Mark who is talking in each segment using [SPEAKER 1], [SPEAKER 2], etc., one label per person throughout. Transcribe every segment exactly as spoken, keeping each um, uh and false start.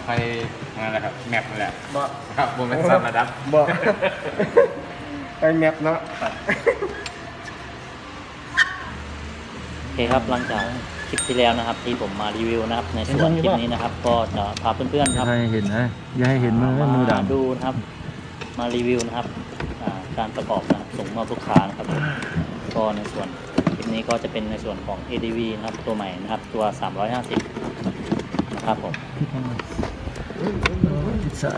[SPEAKER 1] ไฟนั่นแหละครับแมปนั่นแหละ
[SPEAKER 2] บ่
[SPEAKER 1] ครับบนเป็นสัตว์ระดับ
[SPEAKER 2] บ่ไปแมปเนาะ
[SPEAKER 3] โอเคครับหลังจากคลิปที่แล้วนะครับ ที่ผมมารีวิวนะครับ ในส่วนคลิปนี้นะครับ ก็จะพาเพื่อนๆครับ
[SPEAKER 4] อย่าให้เห็นนะอย่าให้เห็นมือมือดำ
[SPEAKER 3] ดูนะครับ มารีวิวนะครับอ่าการประกอบนะครับส่งมอบลูกค้านะครับก็ในส่วนคลิปนี้ก็จะเป็นในส่วนของ เอ ดี วี นะครับตัวใหม่นะครับตัวสามร้อยห้าสิบนะครับผม
[SPEAKER 4] ติดสาย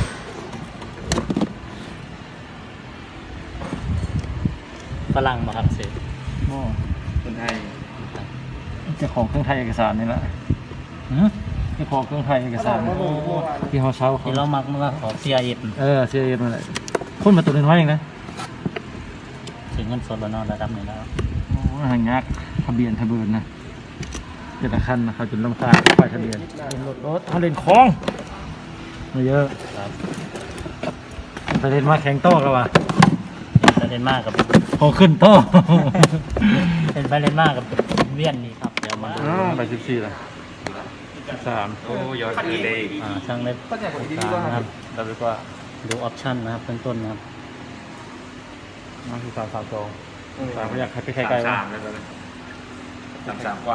[SPEAKER 3] ฝรั่งมาครับเสร็จ
[SPEAKER 4] โอ้
[SPEAKER 1] คนไทย
[SPEAKER 4] เจ้าของเครื่องไทยเอกสารนี่แหละเจ้าของเครื่องไทยเอกสารที่เขาเช่าเขา
[SPEAKER 3] ที่เรามักมาของ ซี ไอ เอส
[SPEAKER 4] เออเสียเอ็มอะไรคนมาตัวนึงไว้เองนะ
[SPEAKER 3] ถึงเงินสดแล้วเนอนระดับหนึ่งแล้ว
[SPEAKER 4] โอ้หางยักทะเบียนทะเบียนนะแต่ละคันนะเขาจนลำคาญป้ายทะเบียนเป็นรถรถเขาเล่นคลองมาเยอะ
[SPEAKER 3] ครับ
[SPEAKER 4] ไปเล่นมาแข่งโต้กันว่ะ
[SPEAKER 3] เล่นมากกับ
[SPEAKER 4] พอขึ้นโต้
[SPEAKER 3] เป็นไปเล่นมากกับเวียนนี่ครับเดี๋ยวมาดู
[SPEAKER 4] ไปสิบสี่ละสาม
[SPEAKER 1] โอ้ยอดคือเลย
[SPEAKER 3] อ่าช่างเล็บ
[SPEAKER 2] ก็จะผมดี
[SPEAKER 3] กลาง
[SPEAKER 2] ว่า
[SPEAKER 3] นะครับ
[SPEAKER 4] ดับไปกว่า
[SPEAKER 3] ดูออปชั่นนะครับเบื้องต้นนะครับ
[SPEAKER 4] น้องคือสามสามสองสามเขาอยากให้ไปใคร
[SPEAKER 1] สาม
[SPEAKER 4] ไกลวะ
[SPEAKER 1] สามเลยตอนนี้สามสามกว่า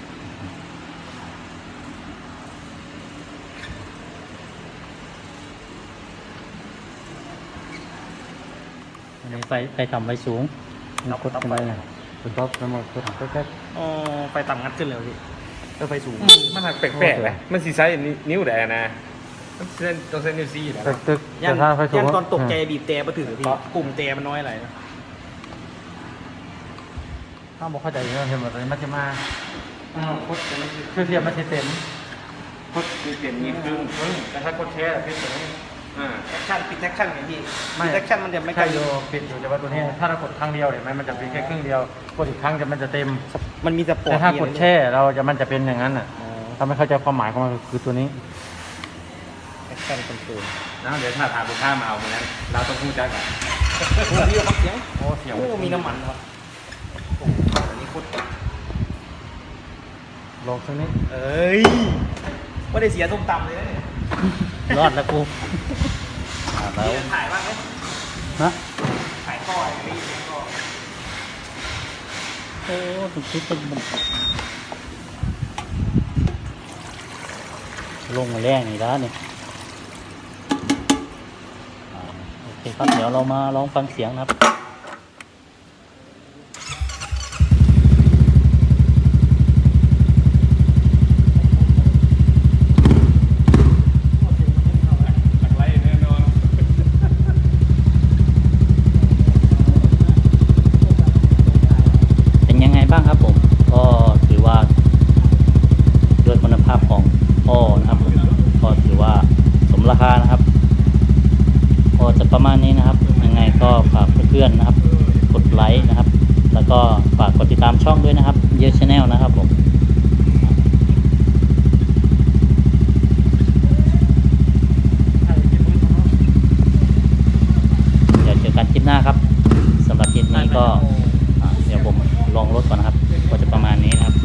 [SPEAKER 3] อันนี้ไฟไฟต่ำไฟสูงเรากดกันไปนะ
[SPEAKER 4] เป็นท็อปทั้งหมดก็แค่
[SPEAKER 2] อ๋อไฟต่ำงัดขึ้นเลยพี่ก็ไฟสูง
[SPEAKER 1] มันหักแปลกๆนะมันสีไซส์นิ้วแดงนะต้องเส้นต้องเส้นนิ้วซี่นะ
[SPEAKER 4] ตึกตึก
[SPEAKER 2] ยั
[SPEAKER 4] แต่ถ้าไฟสูง
[SPEAKER 2] ยัตอนตกใจบีบแต่มาถึงพี่ปุ่มแต่มันน้อยอะไรนะ
[SPEAKER 4] ถ้าบอกเข้าใจเรื่องเห็นหมดเลยมันจะมาโคตรคือเทียมมันจะเต็ม
[SPEAKER 1] พุทมีเปลี่ยนมีครึ่งครึ่งแต่ถ้ากดแช่พี่ตัวนี้อ่า
[SPEAKER 2] แอคชั่นปิดแอคชั่นไงพี่ปิดแอคชั่นมันจะไม่
[SPEAKER 4] ใช่อยู่ปิดอยู่แต่ว่าตัวนี้ถ้าเรากดครั้งเดียวเห็นไหมมันจะเป็นแค่ครึ่งเดียวกดอีกครั้งจะมันจะเต็ม
[SPEAKER 2] มันมีสปอร์ต
[SPEAKER 4] แต่ถ้ากดแช่เราจะมันจะเป็นอย่างนั้นอ่ะถ้าไม่เข้าใจความหมายของมันคือตัวนี้
[SPEAKER 2] แอคชั่นคอนโทรล
[SPEAKER 1] แล้วเดี๋ยวถ้าถามลูกค้ามาเอาเหมือนนั้นเราต้องพูดจักอ่ะ
[SPEAKER 2] โอ้พี่ครับเสียง
[SPEAKER 4] โอ้เสียง
[SPEAKER 2] โอ้มีน้ำมันครับโอ้อันนี้โคตร
[SPEAKER 4] ลองสักนิด
[SPEAKER 2] เอ้ยไม่ได้เสียส้มตำเลยนะเนี่ย
[SPEAKER 3] รอดแล้วกูอ่าแล้ว
[SPEAKER 2] พี่จะถ่ายบ้างไหม
[SPEAKER 3] ฮะ
[SPEAKER 2] ถ่ายท่ออะไรนี่ถ่ายท่อ
[SPEAKER 3] โอ้ตุกทุกตึกมันลงมาแรงนี่แล้วนี่อ่าโอเคครับเดี๋ยวเรามาลองฟังเสียงนะครับ
[SPEAKER 1] ไล่แน่นอน
[SPEAKER 3] เป็นยังไงบ้างครับผม ก็ถือว่าด้วยคุณภาพของอ้อนะครับก็ถือว่าสมราคานะครับก็จะประมาณนี้นะครับยังไงก็ฝากเพื่อนๆนะครับกดไลค์นะครับ แล้วก็ฝากกดติดตามช่องด้วยนะครับเยอะชาแนลนะครับผมเดี๋ยวเจอกันคลิปหน้าครับสำหรับคลิปนี้ก็อ่าเดี๋ยวผมลองรถก่อนนะครับก็จะประมาณนี้นะครับ